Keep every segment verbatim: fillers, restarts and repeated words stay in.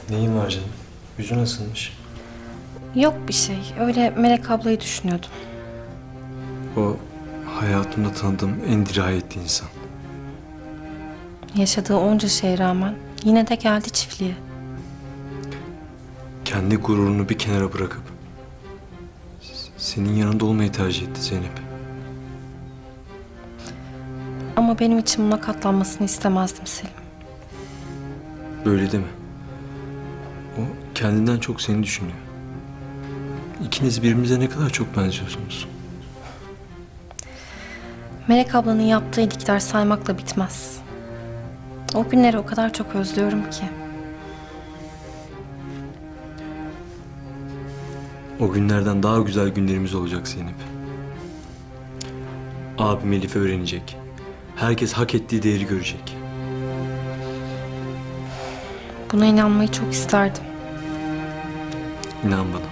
Neyin var canım? Yüzün nasılmış? Yok bir şey. Öyle Melek ablayı düşünüyordum. O hayatımda tanıdığım en dirayetli insan. Yaşadığı onca şeye rağmen yine de geldi çiftliğe. Kendi gururunu bir kenara bırakıp s- senin yanında olmayı tercih etti Zeynep. Ama benim için buna katlanmasını istemezdim Selim. Böyle deme. O kendinden çok seni düşünüyor. İkiniz birbirinize ne kadar çok benziyorsunuz. Melek ablanın yaptığı iyilikler saymakla bitmez. O günleri o kadar çok özlüyorum ki. O günlerden daha güzel günlerimiz olacak Zeynep. Abim Elif'i öğrenecek. Herkes hak ettiği değeri görecek. Buna inanmayı çok isterdim. İnan bana.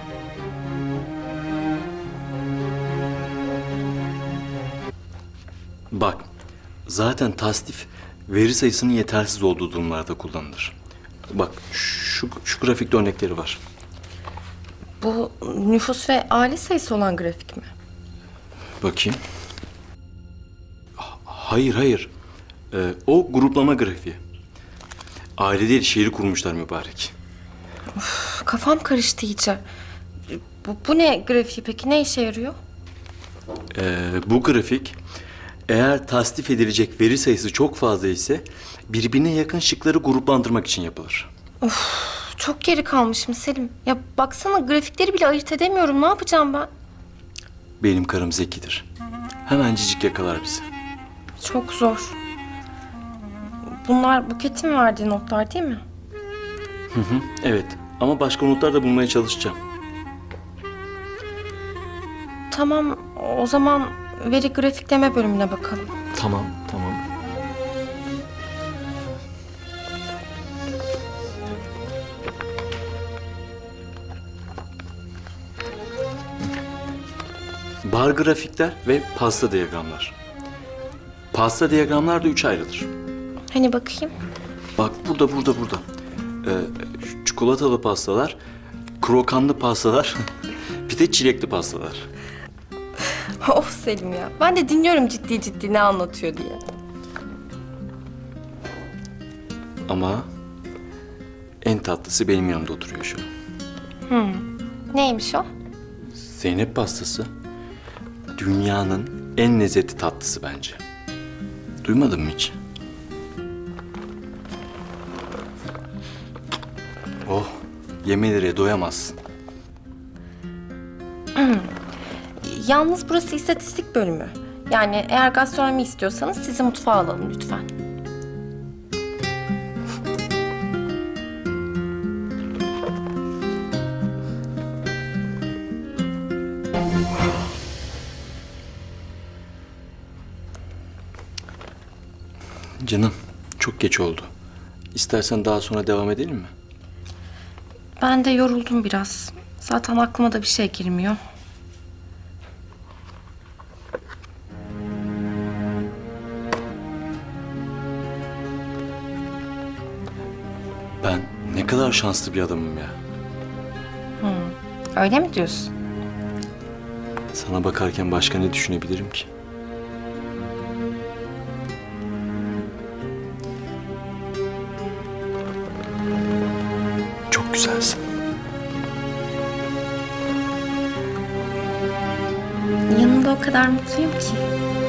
Bak, zaten tasnif veri sayısının yetersiz olduğu durumlarda kullanılır. Bak, şu, şu grafikte örnekleri var. Bu nüfus ve aile sayısı olan grafik mi? Bakayım. Ha- Hayır, hayır. Ee, o gruplama grafiği. Aile değil, şehri kurmuşlar mübarek. Kafam karıştı iyice. Bu, bu ne grafiği peki? Ne işe yarıyor? Ee, bu grafik, eğer tasnif edilecek veri sayısı çok fazla ise birbirine yakın şıkları gruplandırmak için yapılır. Çok geri kalmışım Selim. Ya baksana grafikleri bile ayırt edemiyorum. Ne yapacağım ben? Benim karım zekidir. Hemencik yakalar bizi. Çok zor. Bunlar Buket'in verdiği notlar değil mi? Hı hı, evet. Ama başka notlar da bulmaya çalışacağım. Tamam, o zaman veri grafikleme bölümüne bakalım. Tamam, tamam. Bar grafikler ve pasta diyagramlar. Pasta diyagramlar da üç ayrılır. Hani bakayım. Bak burada, burada, burada. Ee, çikolatalı pastalar, krokanlı pastalar, bir de çilekli pastalar. Of Selim ya. Ben de dinliyorum ciddi ciddi ne anlatıyor diye. Ama en tatlısı benim yanımda oturuyor şu an. Neymiş o? Zeynep pastası dünyanın en lezzetli tatlısı bence. Duymadın mı hiç? Oh, yemelere doyamazsın. Yalnız burası istatistik bölümü. Yani eğer gastronomi istiyorsanız sizi mutfağa alalım lütfen. Canım, çok geç oldu. İstersen daha sonra devam edelim mi? Ben de yoruldum biraz. Zaten aklıma da bir şey girmiyor. Ben ne kadar şanslı bir adamım ya. Öyle mi diyorsun? Sana bakarken başka ne düşünebilirim ki? Çok güzelsin. Yanında o kadar mutluyum ki.